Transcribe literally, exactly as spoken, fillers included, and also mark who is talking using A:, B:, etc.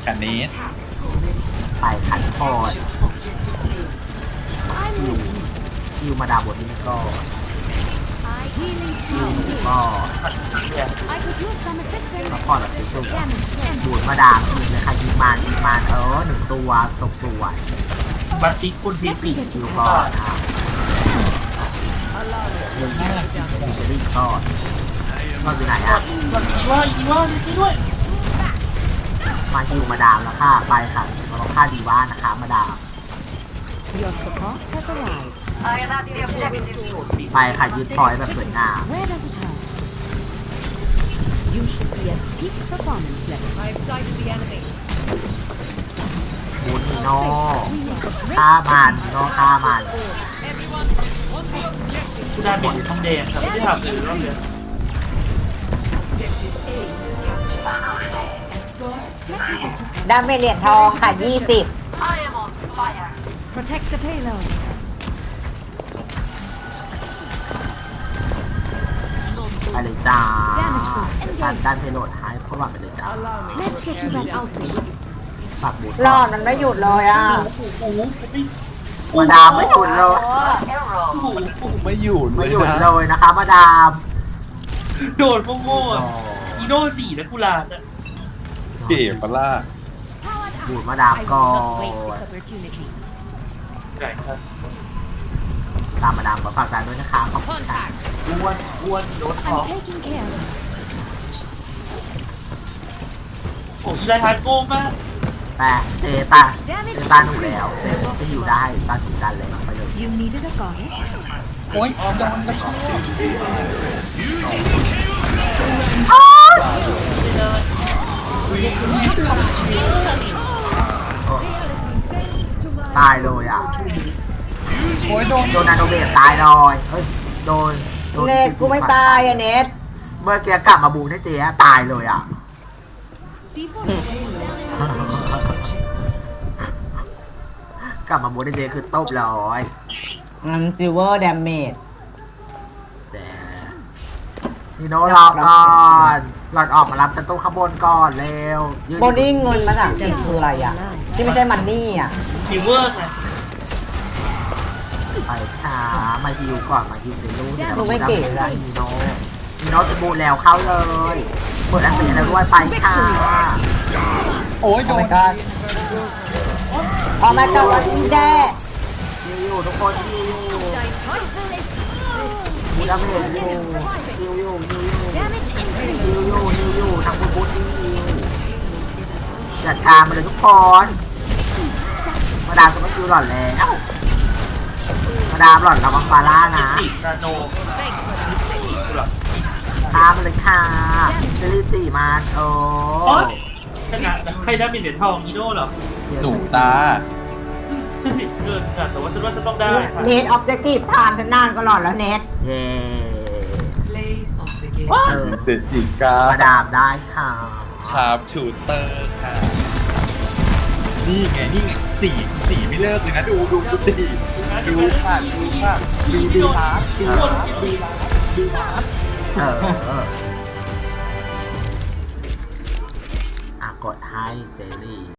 A: ค่ะเนส
B: ใส่ขันคอดคิวคิวมาดาบทนี้ก็คิวก็ก็พอแบบชุบๆดูดมาดามอีกเลยค่ะยิงมันยิงมันเออหนึ่งตัวตกตัว
C: บัตติคุณทีปี
B: คิวก็อ่ะหนึ่งจะรีบทอดก็อยู่ไหนอ่ะ
C: อีว่าอีว่านี่ด้วย
B: มาคิวมาดามแล้วค่ะไปค่ะเราต้องฆ่าดีว่านะคะมาดาม
D: Your support has arrived.
B: ไปค่ะยึดพอยต์แบบสวยงาม
D: Where does it hurt? You should be at peak performance level.
E: I've sighted the enemy.
B: บูนีโน่ฆ่ามันนีโน่ฆ่ามัน
E: Everyone, on the objective.
C: คุณดาเมจอยู่ทองแดงครับไม่ได้ทำเลยรอบเดียว
F: ดาเมจเหรียญทองค่ะยี่สิบ
D: Protect the payload.
B: ไปเลยจ้าการการเพโลดหายเพราะว่าไปเลยจ้า
D: Let's get to that outbreak.
B: ฝากบูท
F: รอดมันไม่หยุดเลยอ่ะ
C: โอ้โหฉันไม่
B: มาดามไม่หยุดเลย
C: โอ้โห
A: ไม่อยู่
B: ไม่
A: เลย
B: หยุด
A: นะ
B: เลยนะคะมาดาม
C: โดดโง่ๆอ่ะอีโน่สี่แล้วกูลาอ่ะ
A: เก๋ปะล่ะ
B: บูดมาดาม
E: I
B: ก็
E: will not waste this opportunity.
C: ไหนครับ
B: ตามมาดามขอฝากการด้วยนะคะขอบคุณค่ะ
E: Contact.
C: อ้วนอ้วนโดดท้อง
D: I'm taking care of it.
C: โอ้ยอีไลทานโง่มาก
B: แต่เตตาเตตาหนูแล้วเตจะอยู่ได้ตาถูกดันเลยไปเลย
D: You needed a goddess?
C: โอ้ยออมโดนไป
B: ตายเลยอ่ะ
C: โอ้ยโดน
B: โดนนาโนเบตตายเลยเฮ้ยโดนโดน
F: เน็ตกูไม่ตายอ่ะเน็ต
B: เมื่อกี้กลับมาบูให้เจ๊ตายเลยอ่ะ กลับมาบูให้เจ๊คือตบร้อย
F: มันซิลเวอร์ดาเมจ
B: แต่นี่โน้รอก่อนหลอดออกมารับฉันตู้ข้างบนก่อนเร็วยืน
F: โบดิ้งเงินมันอ่ะคืออะไรอ่ะ ที่ไม่ใช่มันนี่อ่ะ
C: ฟีเวอร์ไง
B: ไปค่ะมาฮิวก่อนมาฮิวเดี๋ยวรู้
F: ดูไม่เก๋เลย
B: นีโน่นีโน่จะบูแล้วเข้าเลยเปิดอันตีแล้วด้วยไปค่ะ
C: โอ้ยโด
F: โอ้
C: น
F: my god โอ้ my god ว่าจริงแด้
B: ฮิวอยู่ทุกคนฮิวอยู่ฮิวดาเมจอยู่ฮิวอยู่ฮิวอยู่
D: Damage
B: ฮิว
D: increase.
B: อยู่ฮิวอยู่ทางบูบูฮิวจัดการมาเลยทุกคน มาดามจะไม่คิวหล่อนแล้วมาดามหล่อนระวังฟาร่านะ
C: ติดนาโน
B: ตามมาเลยค่ะเจลิตีมาโอ้
C: โอ๊ยชนะแล้วใครได้เป็นเหรียญทองอีโน่เหรอ
A: หนูจ้า
C: ฉันผิดเกินค่ะแต่ว่าฉันว่าฉันต้องได้ค่ะ
F: เน็ตออบเจกตีฟทานฉันนานก็หลอดแล้วเน็ต
B: เย่
C: ว้า
B: เออ
A: เจสสิก้า
B: มาดามได้ค่ะ
A: ชาร์ปชูเตอร์ค่ะ นี่ไง นี่ไงสีสีไม่เลิกเลยนะ ดูดูดูสีดูค่ะดูค่ะดูดูฮาร์ดดูฮาร์ดดูฮาร์ดดูฮาร์ด
B: เออเอออ่ะกดให้เจลี่